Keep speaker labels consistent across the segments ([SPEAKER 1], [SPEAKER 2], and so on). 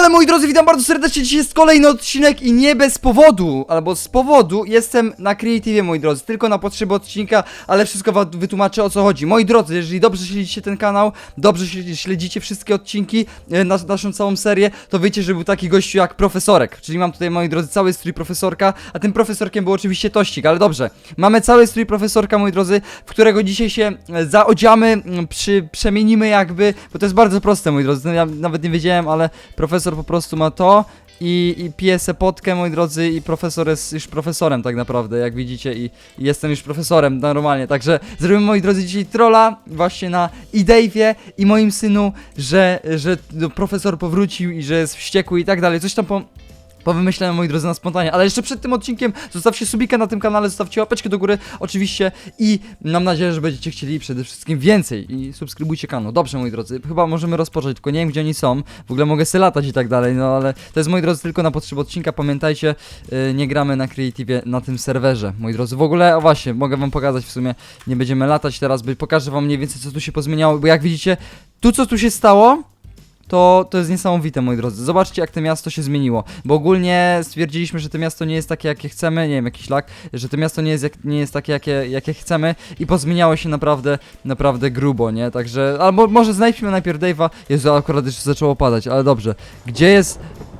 [SPEAKER 1] Ale moi drodzy, witam bardzo serdecznie, dzisiaj jest kolejny odcinek i nie bez powodu, albo z powodu jestem na Creative, moi drodzy, tylko na potrzeby odcinka, ale wszystko wam wytłumaczę, o co chodzi. Moi drodzy, jeżeli dobrze śledzicie ten kanał, dobrze śledzicie wszystkie odcinki, naszą całą serię, to wiecie, że był taki gościu jak Profesorek, czyli mam tutaj, moi drodzy, cały strój Profesorka, a tym Profesorkiem był oczywiście Tościk, ale dobrze, mamy cały strój Profesorka, moi drodzy, w którego dzisiaj się zaodziamy, przemienimy jakby, bo to jest bardzo proste, moi drodzy, ja nawet nie wiedziałem, ale profesor po prostu ma to i pije se potkę, moi drodzy, i profesor jest już profesorem tak naprawdę, jak widzicie, i jestem już profesorem normalnie, także zrobimy, moi drodzy, dzisiaj trolla właśnie na Dave'ie i moim synu, że profesor powrócił i że jest wściekły i tak dalej, coś tam powymyślałem, moi drodzy, na spontanie, ale jeszcze przed tym odcinkiem zostawcie subika na tym kanale, zostawcie łapeczkę do góry, oczywiście, i mam nadzieję, że będziecie chcieli przede wszystkim więcej i subskrybujcie kanał. Dobrze, moi drodzy, chyba możemy rozpocząć, tylko nie wiem, gdzie oni są, w ogóle mogę se latać i tak dalej, no ale to jest, moi drodzy, tylko na potrzeby odcinka, pamiętajcie, nie gramy na Creative na tym serwerze, moi drodzy, w ogóle, o właśnie, mogę wam pokazać w sumie, nie będziemy latać teraz, pokażę wam mniej więcej, co tu się pozmieniało, bo jak widzicie, co tu się stało, to jest niesamowite, moi drodzy. Zobaczcie, jak to miasto się zmieniło. Bo ogólnie stwierdziliśmy, że to miasto nie jest takie, jakie chcemy. Nie wiem, jakiś lag. Że to miasto nie jest takie, jakie chcemy. I pozmieniało się naprawdę grubo, nie? Także, albo może znajdźmy najpierw Dave'a. Jezu, akurat już zaczęło padać, ale dobrze. Gdzie jest...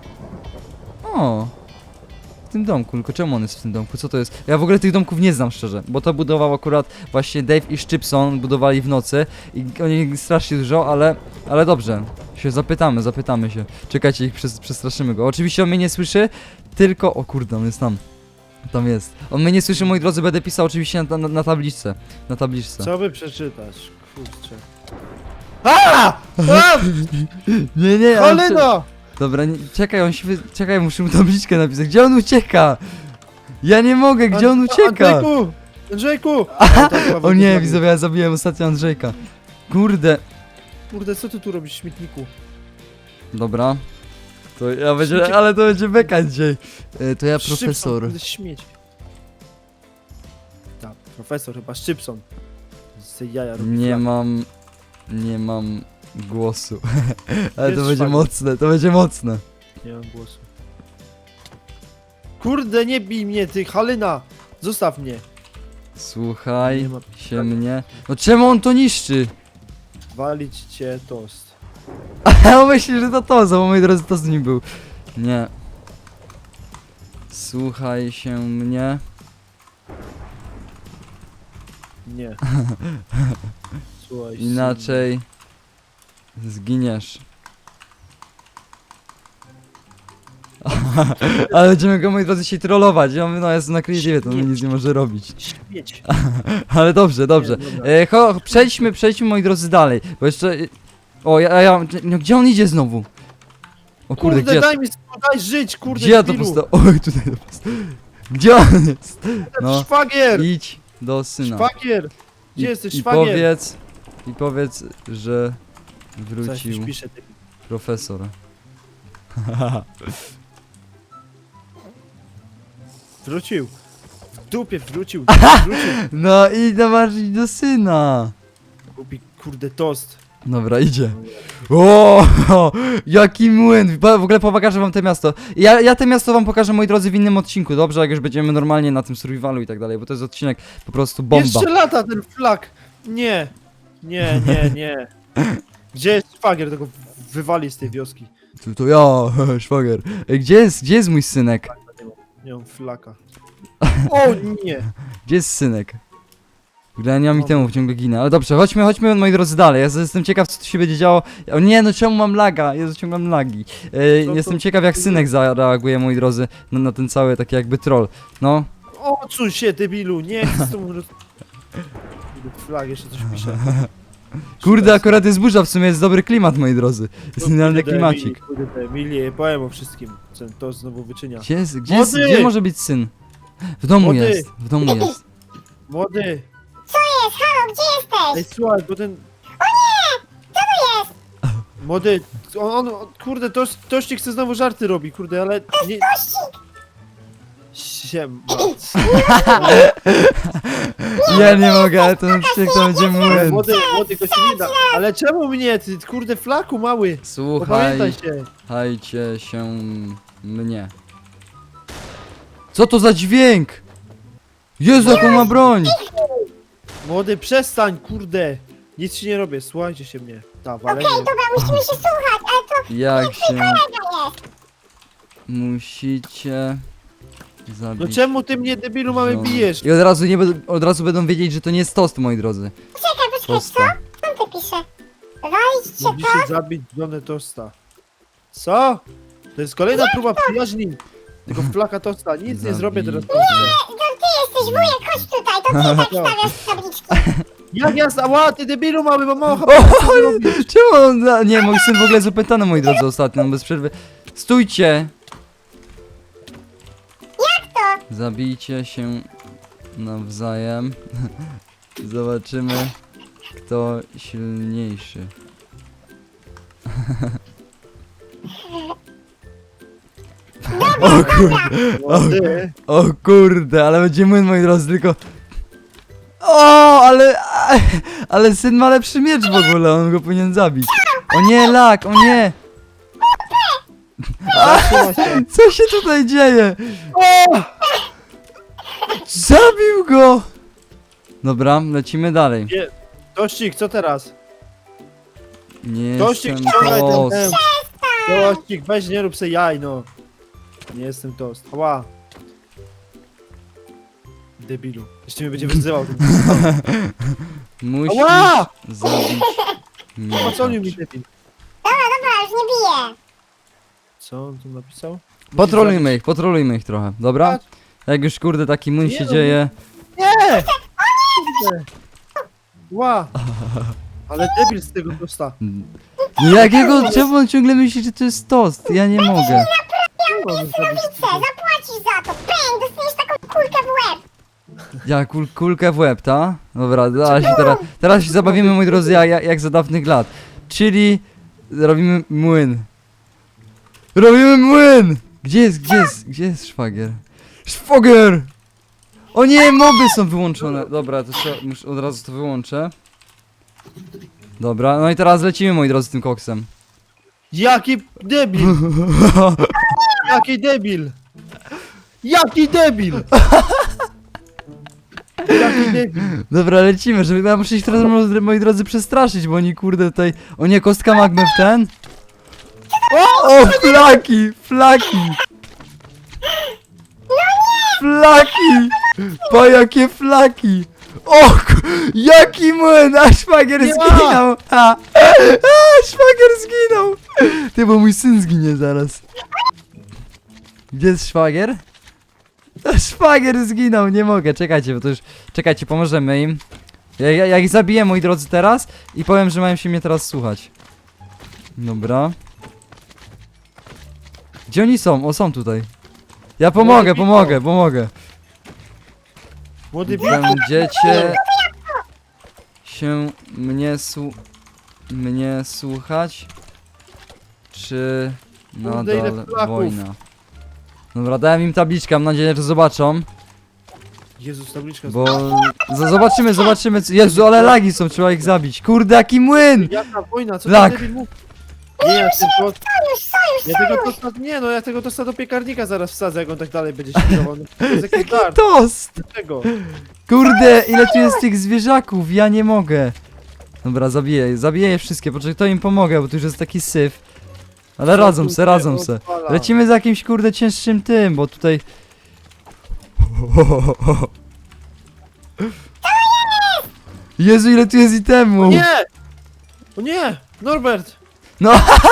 [SPEAKER 1] O, w tym domku, tylko czemu on jest w tym domku? Co to jest? Ja w ogóle tych domków nie znam, szczerze, bo to budował akurat właśnie Dave i Szczypson, budowali w nocy i oni strasznie dużo, ale dobrze, się zapytamy się. Czekajcie, ich przestraszymy go. Oczywiście on mnie nie słyszy, tylko... O kurde, on jest tam. Tam jest. On mnie nie słyszy, moi drodzy, będę pisał oczywiście na tabliczce. Na tabliczce.
[SPEAKER 2] Co by przeczytać? Kurczę. A!
[SPEAKER 1] Nie,
[SPEAKER 2] Cholera!
[SPEAKER 1] Dobra, czekaj, czekaj, muszę mu tabliczkę napisać. Gdzie on ucieka? Ja nie mogę, gdzie on ucieka?
[SPEAKER 2] Andrzejku!
[SPEAKER 1] O nie, widzowie, ja zabiłem ostatnio Andrzejka. Kurde.
[SPEAKER 2] Kurde, co ty tu robisz w śmietniku?
[SPEAKER 1] Dobra. To ja będzie, ale to będzie beka dzisiaj. To ja
[SPEAKER 2] Szczypson,
[SPEAKER 1] profesor.
[SPEAKER 2] kurde, śmieć. Tak, profesor chyba Szczypson. Z jaja robi
[SPEAKER 1] Nie
[SPEAKER 2] flak.
[SPEAKER 1] mam głosu. Ale
[SPEAKER 2] Jest
[SPEAKER 1] to będzie
[SPEAKER 2] szwagier.
[SPEAKER 1] mocne, to będzie mocne.
[SPEAKER 2] Nie mam głosu. Kurde, nie bij mnie, ty, Halina! Zostaw mnie.
[SPEAKER 1] Słuchaj
[SPEAKER 2] Nie ma-
[SPEAKER 1] się mnie. No czemu on to niszczy?
[SPEAKER 2] Walić cię tost.
[SPEAKER 1] A on myśli, że to, bo moi drodzy, to z nim był. Nie. Słuchaj się mnie.
[SPEAKER 2] Nie. Słuchaj.
[SPEAKER 1] Inaczej zginiesz. Ale będziemy go, moi drodzy, dzisiaj trollować. Ja mówię, no jest na Creative, to on nic nie może robić.
[SPEAKER 2] Śmieć.
[SPEAKER 1] Ale dobrze.
[SPEAKER 2] Nie, dobra.
[SPEAKER 1] Przejdźmy, moi drodzy, dalej. Bo jeszcze... O, no, gdzie on idzie znowu? O kurde,
[SPEAKER 2] Kurde,
[SPEAKER 1] gdzie...
[SPEAKER 2] daj żyć, kurde,
[SPEAKER 1] Gdzie ja to
[SPEAKER 2] debilu.
[SPEAKER 1] postawiłem? Oj, tutaj to postawiłem. Gdzie on jest? No,
[SPEAKER 2] Szwagier!
[SPEAKER 1] idź do syna.
[SPEAKER 2] Szwagier! Gdzie jesteś,
[SPEAKER 1] I
[SPEAKER 2] szwagier?
[SPEAKER 1] powiedz, że
[SPEAKER 2] Coś
[SPEAKER 1] wrócił
[SPEAKER 2] pisze, ty.
[SPEAKER 1] profesor.
[SPEAKER 2] Wrócił. W dupie wrócił.
[SPEAKER 1] No i zobaczyć do syna.
[SPEAKER 2] Kupi kurde tost.
[SPEAKER 1] Dobra, idzie. O, jaki młyn. W ogóle pokażę wam to miasto. Ja to miasto wam pokażę, moi drodzy, w innym odcinku, dobrze? Jak już będziemy normalnie na tym survivalu i tak dalej, bo to jest odcinek po prostu bomba.
[SPEAKER 2] Jeszcze lata ten flak. Nie. Nie. Gdzie jest szwagier? Tego wywali z tej wioski.
[SPEAKER 1] To ja, szwagier. Ej, gdzie jest mój synek?
[SPEAKER 2] Nie mam flaka. O nie.
[SPEAKER 1] Gdzie jest synek? W ogóle ja nie mam itemów, ciągle ginę. Ale dobrze, chodźmy, moi drodzy, dalej. Ja jestem ciekaw, co tu się będzie działo. O nie, no czemu mam laga? Jezu, ciągle mam lagi. Jestem ciekaw, jak synek zareaguje, moi drodzy, na ten cały taki jakby troll. No.
[SPEAKER 2] Odsuń się, debilu. Nie chcę z tobą Flag jeszcze coś pisze.
[SPEAKER 1] Kurde, akurat jest burza, w sumie jest dobry klimat, moi drodzy. Jest idealny klimacik.
[SPEAKER 2] Kurde, Emilie, powiem o wszystkim. Co to znowu wyczynia.
[SPEAKER 1] Gdzie może być syn? W domu
[SPEAKER 2] Młody!
[SPEAKER 1] jest, w domu jest.
[SPEAKER 2] Młody!
[SPEAKER 3] Co jest? Halo, gdzie
[SPEAKER 2] Ej,
[SPEAKER 3] jesteś?
[SPEAKER 2] słuchaj, bo ten... Młody, kurde, Tościk chce znowu żarty robi, kurde, ale nie... Siema.
[SPEAKER 1] Ja nie mogę, ale ten odcinek to będzie młyn.
[SPEAKER 2] Młody to się nie da. Ale czemu mnie, ty kurde flaku mały? Pamiętaj się.
[SPEAKER 1] Słuchajcie się mnie. Co to za dźwięk? Jezu, jaką ma broń!
[SPEAKER 2] Młody, przestań, kurde. Nic ci nie robię, słuchajcie się mnie. Ta, walenie.
[SPEAKER 3] Okej, dobra, musimy się słuchać, ale to
[SPEAKER 1] Jak się
[SPEAKER 3] kolega jest.
[SPEAKER 1] musicie zabić.
[SPEAKER 2] No czemu ty mnie, debilu, mały
[SPEAKER 1] żonę.
[SPEAKER 2] bijesz?
[SPEAKER 1] I od razu będą wiedzieć, że to nie jest tost, moi drodzy.
[SPEAKER 3] Poczekaj, co?
[SPEAKER 1] Tosta.
[SPEAKER 3] Co on tu pisze? Walić cię
[SPEAKER 2] Musisz zabić żonę tosta. Co? To jest kolejna próba przyjaźni. Tego flaka tosta. Nic nie zrobię teraz.
[SPEAKER 3] to? Ty jesteś wujek, chodź tutaj, to ty tak stawiasz tabliczki.
[SPEAKER 2] Jak ja ała, ty debilu mały, bo mało
[SPEAKER 1] O,
[SPEAKER 2] chyba co ty robisz?
[SPEAKER 1] czemu on... Nie, mój syn w ogóle jest opętany, moi drodzy, ostatnio, on bez przerwy. Stójcie!
[SPEAKER 3] Jak to?
[SPEAKER 1] Zabijcie się nawzajem. Zobaczymy, kto silniejszy. O kurde,
[SPEAKER 2] Młody.
[SPEAKER 1] o kurde, ale będzie młyn, moi drodzy, tylko... O, ale syn ma lepszy miecz w ogóle, on go powinien zabić. O nie, lak, o nie!
[SPEAKER 2] Zatrzyma się.
[SPEAKER 1] Co się tutaj dzieje?
[SPEAKER 2] O!
[SPEAKER 1] Zabił go! Dobra, lecimy dalej.
[SPEAKER 2] Tościk, co teraz?
[SPEAKER 1] Nie
[SPEAKER 2] Tościk,
[SPEAKER 1] jestem
[SPEAKER 2] ściągaj ten
[SPEAKER 1] tost.
[SPEAKER 2] ten. Tościk, weź nie rób se jaj, no. Nie jestem tost. Ała. Debilu. Jeszcze mnie będzie wyzywał.
[SPEAKER 1] Musisz
[SPEAKER 2] Ała!
[SPEAKER 1] zabić mnie.
[SPEAKER 2] Poconił mi debil.
[SPEAKER 3] Dobra, już nie biję.
[SPEAKER 2] Co on tu napisał?
[SPEAKER 1] Potrolujmy ich trochę, dobra?
[SPEAKER 2] Tak.
[SPEAKER 1] Jak już kurde taki młyn
[SPEAKER 2] Nie
[SPEAKER 1] się
[SPEAKER 2] no,
[SPEAKER 1] dzieje.
[SPEAKER 2] Nie! Kurde. Ła! Ale debil z tego tosta.
[SPEAKER 1] No jakiego, czemu on ciągle myśli, że to jest tost? Ja nie mogę.
[SPEAKER 2] Co on zrobić z tego?
[SPEAKER 3] Zapłacisz za to. Pęk, dostaniesz taką kulkę w łeb.
[SPEAKER 1] Ja kulkę w łeb, ta? Dobra, teraz się zabawimy, moi drodzy, jak za dawnych lat. Czyli robimy młyn. Robimy młyn! Gdzie jest szwagier? Szwagier! O nie, moby są wyłączone. Dobra, to muszę od razu to wyłączę. Dobra, no i teraz lecimy, moi drodzy, tym koksem.
[SPEAKER 2] Jaki debil! Jaki debil! Jaki debil! Jaki debil!
[SPEAKER 1] Dobra, lecimy, żeby ja muszę ich teraz, moi drodzy, przestraszyć, bo oni kurde tutaj... O nie, kostka magmy w ten? O, flaki! Flaki! Flaki! Pa, jakie flaki! Jaki młyn! A szwagier
[SPEAKER 2] Nie ma!
[SPEAKER 1] zginął! A, szwagier zginął! Ty, bo mój syn zginie zaraz. Gdzie jest szwagier? Szwagier zginął, nie mogę, czekajcie, bo to już... Czekajcie, pomożemy im. Ja ich zabiję, moi drodzy, teraz i powiem, że mają się mnie teraz słuchać. Dobra. Gdzie oni są? O, są tutaj. Ja pomogę.
[SPEAKER 2] Młody
[SPEAKER 1] Będziecie się mnie słuchać? Czy
[SPEAKER 2] Kurde, ile
[SPEAKER 1] nadal
[SPEAKER 2] flaków.
[SPEAKER 1] wojna? Dobra, dałem im tabliczkę, mam nadzieję, że zobaczą.
[SPEAKER 2] Jezus, tabliczka.
[SPEAKER 1] Bo... Zobaczymy... Jezu, ale lagi są, trzeba ich zabić. Kurde, jaki młyn!
[SPEAKER 2] Jaka wojna, co
[SPEAKER 1] Lak.
[SPEAKER 2] ty debil mówi? Nie, ja ten to...
[SPEAKER 3] Sojusz,
[SPEAKER 2] Ja tego tosta... Nie no, ja tego tosta do piekarnika zaraz wsadzę, jak on tak dalej będzie śpiewał. No, to jest jakiś
[SPEAKER 1] Jaki
[SPEAKER 2] dar.
[SPEAKER 1] tost!
[SPEAKER 2] Dlaczego?
[SPEAKER 1] Kurde, ile tu jest tych zwierzaków, ja nie mogę. Dobra, zabiję je wszystkie, poczekaj, to im pomogę, bo tu już jest taki syf. Ale radzą se.
[SPEAKER 2] Odpala.
[SPEAKER 1] Lecimy za jakimś kurde cięższym tym, bo tutaj... Jezu, ile tu jest itemu!
[SPEAKER 2] Nie! O nie! Norbert!
[SPEAKER 1] No,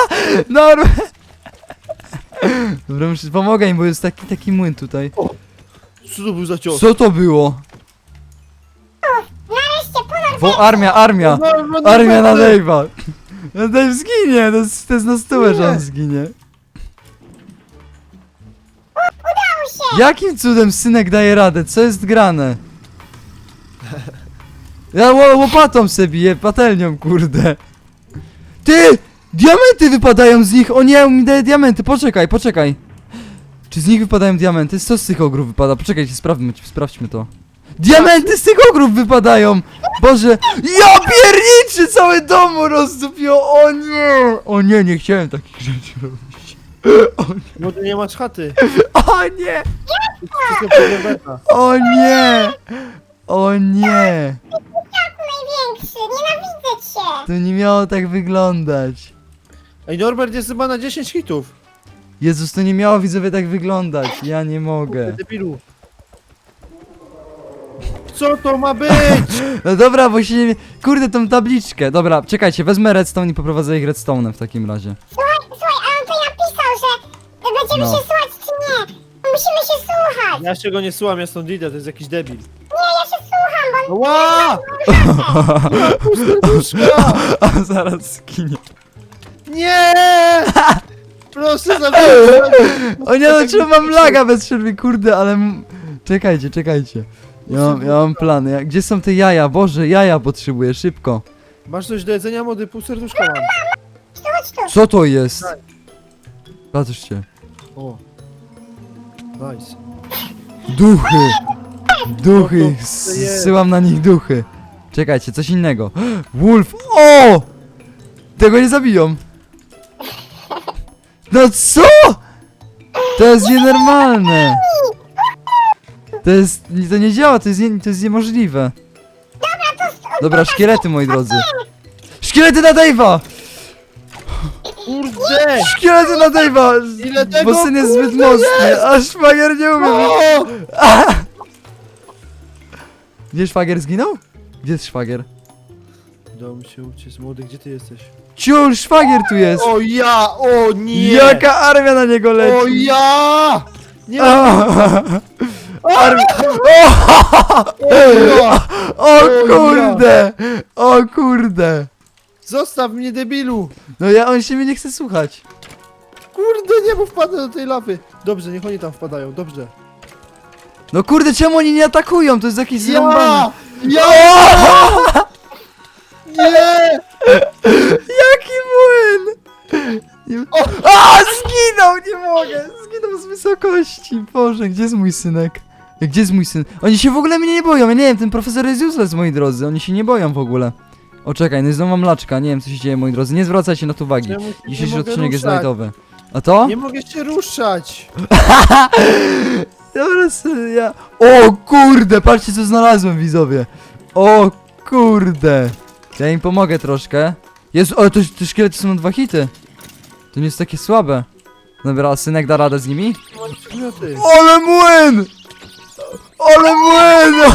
[SPEAKER 1] Dobra, pomogę im, bo jest taki młyn tutaj.
[SPEAKER 2] Co to był za cios?
[SPEAKER 1] Co to było?
[SPEAKER 3] nareszcie ponad
[SPEAKER 1] Armia!
[SPEAKER 2] Norbert,
[SPEAKER 1] Armia na
[SPEAKER 2] Norbert!
[SPEAKER 1] Dave'a! No Dave zginie, to jest na stałe, że on zginie. Jakim cudem synek daje radę? Co jest grane? Ja łopatą se biję, patelnią, kurde. Ty! Diamenty wypadają z nich! O nie, on mi daje diamenty, poczekaj. Czy z nich wypadają diamenty? Co z tych ogrów wypada? Poczekajcie, sprawdźmy to. Diamenty z tych ogrów wypadają! Boże, ja pierniczy, całe domu rozdupiło, o nie! O nie, nie chciałem takich rzeczy robić.
[SPEAKER 2] Może nie masz chaty.
[SPEAKER 1] O nie!
[SPEAKER 2] Wszystko pod Norberta.
[SPEAKER 1] O nie! O nie!
[SPEAKER 3] Największy, nienawidzę cię.
[SPEAKER 1] To nie miało tak wyglądać.
[SPEAKER 2] Ej, Norbert jest chyba na 10 hitów.
[SPEAKER 1] Jezus, to nie miało, widzowie, tak wyglądać. Ja nie mogę.
[SPEAKER 2] Debilu. Co to ma być?
[SPEAKER 1] No dobra, bo się nie... Kurde, tą tabliczkę. Dobra, czekajcie, wezmę redstone i poprowadzę ich redstone'em w takim razie.
[SPEAKER 3] Słuchaj, a on to napisał, że będziemy
[SPEAKER 1] No.
[SPEAKER 3] się słuchać czy nie. Musimy się słuchać.
[SPEAKER 2] Ja się go nie słucham, ja stąd idę, to jest jakiś debil.
[SPEAKER 3] Nie, ja się słucham, bo
[SPEAKER 2] Ła! Serduszka!
[SPEAKER 1] A zaraz skinie.
[SPEAKER 2] Nie! Proszę zabrać.
[SPEAKER 1] O nie, no czemu mam laga bez przerwy, kurde, ale... Czekajcie. Ja mam plan. Gdzie są te jaja? Boże, jaja potrzebuję, szybko.
[SPEAKER 2] Masz coś do jedzenia, młody? Pół serduszka mam.
[SPEAKER 3] chodź tu.
[SPEAKER 1] Co to jest? Patrzcie.
[SPEAKER 2] O. Nice.
[SPEAKER 1] Duchy! Duchy!
[SPEAKER 2] No to jest.
[SPEAKER 1] Zsyłam na nich duchy. Czekajcie, coś innego. Wolf! O! Tego nie zabiją. No co? To jest nienormalne. To nie działa, to jest niemożliwe. Dobra, szkielety, moi drodzy. Szkielety na Dave'a!
[SPEAKER 2] Kurde!
[SPEAKER 1] Szkielety na Dave'a!
[SPEAKER 2] Ile tego,
[SPEAKER 1] Bo syn jest zbyt
[SPEAKER 2] kurde,
[SPEAKER 1] mocny, a szwagier nie umie.
[SPEAKER 2] O!
[SPEAKER 1] Gdzie szwagier zginął? Gdzie jest szwagier?
[SPEAKER 2] Udało mi się uciec. Młody, gdzie ty jesteś?
[SPEAKER 1] Ciul, szwagier tu jest!
[SPEAKER 2] O ja! O nie!
[SPEAKER 1] Jaka armia na niego leci!
[SPEAKER 2] O ja! Nie!
[SPEAKER 1] Armia! O kurde! O kurde!
[SPEAKER 2] Zostaw mnie, debilu!
[SPEAKER 1] No on się mnie nie chce słuchać.
[SPEAKER 2] Kurde, nie, bo wpadnę do tej lawy. Dobrze, niech oni tam wpadają, dobrze.
[SPEAKER 1] No kurde, czemu oni nie atakują? To jest jakieś
[SPEAKER 2] Ja!
[SPEAKER 1] zrąbane.
[SPEAKER 2] Ja! Nie!
[SPEAKER 1] Jaki młyn! Nie... A, zginął! Nie mogę! Zginął z wysokości! Boże, gdzie jest mój synek? Gdzie jest mój syn? Oni się w ogóle mnie nie boją, ja nie wiem, ten profesor jest useless, moi drodzy, oni się nie boją w ogóle. O, czekaj, no i znowu mam laczka, nie wiem co się dzieje, moi drodzy, nie zwracajcie na to uwagi.
[SPEAKER 2] Czemu się
[SPEAKER 1] Dzisiejszy
[SPEAKER 2] nie mogę
[SPEAKER 1] odcinek jest
[SPEAKER 2] ruszać?
[SPEAKER 1] lightowy. A to?
[SPEAKER 2] Nie mogę się ruszać!
[SPEAKER 1] Dobra, ja... O kurde, patrzcie co znalazłem, widzowie. O kurde. Ja im pomogę troszkę. Jezu, ale te szkielety są na 2 hity. To nie jest takie słabe. Dobra, a synek da radę z nimi?
[SPEAKER 2] Mam przedmioty.
[SPEAKER 1] Ale młyn! Ale młyn!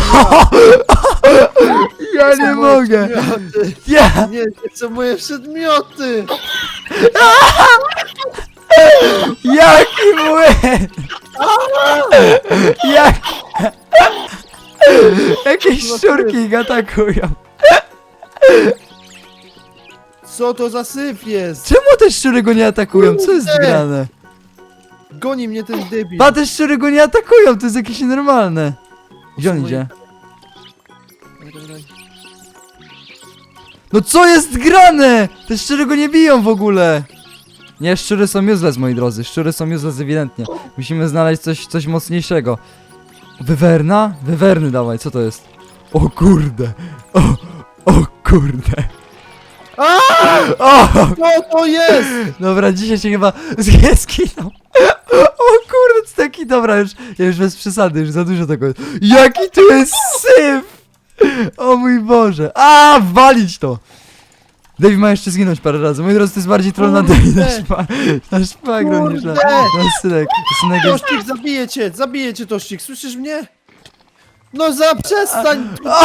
[SPEAKER 1] Ja nie mogę!
[SPEAKER 2] Przedmioty.
[SPEAKER 1] Ja!
[SPEAKER 2] Nie, nie są moje przedmioty!
[SPEAKER 1] Jaki młyn! Jak... Jakieś szczurki ich atakują.
[SPEAKER 2] Co to za syf jest?
[SPEAKER 1] Czemu te szczury go nie atakują? Co jest
[SPEAKER 2] Kurde!
[SPEAKER 1] grane?
[SPEAKER 2] Goni mnie ten debil.
[SPEAKER 1] Pa, te szczury go nie atakują, to jest jakieś nienormalne. Gdzie on idzie? No co jest grane? Te szczury go nie biją w ogóle. Nie, szczury są useless, moi drodzy. Szczury są useless ewidentnie. Musimy znaleźć coś mocniejszego. Wywerna? Wywerny dawaj, co to jest? O kurde. O kurde. O!
[SPEAKER 2] Co to jest?
[SPEAKER 1] Dobra, dzisiaj się chyba zginął. O kurde, to taki, dobra, ja już bez przesady, już za dużo tego jest. Jaki tu jest syf! O mój Boże. A, walić to! Dave ma jeszcze zginąć parę razy. Moi drodzy, to jest bardziej troll na Dave, na szpagro niż na synek. Synek jest...
[SPEAKER 2] Tościk, zabiję cię, Tościk, słyszysz mnie? No przestań!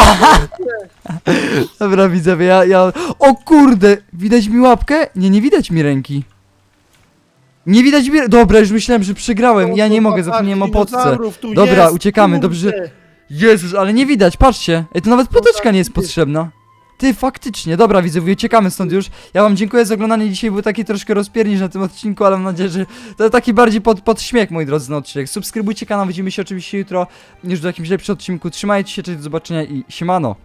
[SPEAKER 1] Dobra, widzowie, ja... O kurde! Widać mi łapkę? Nie, nie widać mi ręki. Nie widać mi... Dobra, już myślałem, że przegrałem. Ja nie mogę, zapomniałem o potce. Dobra, uciekamy, dobrze. Jezus, ale nie widać, patrzcie. Ej, to nawet poteczka nie jest potrzebna. Ty, faktycznie. Dobra, widzowie, uciekamy stąd już. Ja wam dziękuję za oglądanie. Dzisiaj był taki troszkę rozpiernicz na tym odcinku, ale mam nadzieję, że to taki bardziej pod śmiech, moi drodzy, na odcinek. Subskrybujcie kanał, widzimy się oczywiście jutro już w jakimś lepszym odcinku. Trzymajcie się, cześć, do zobaczenia i siemano.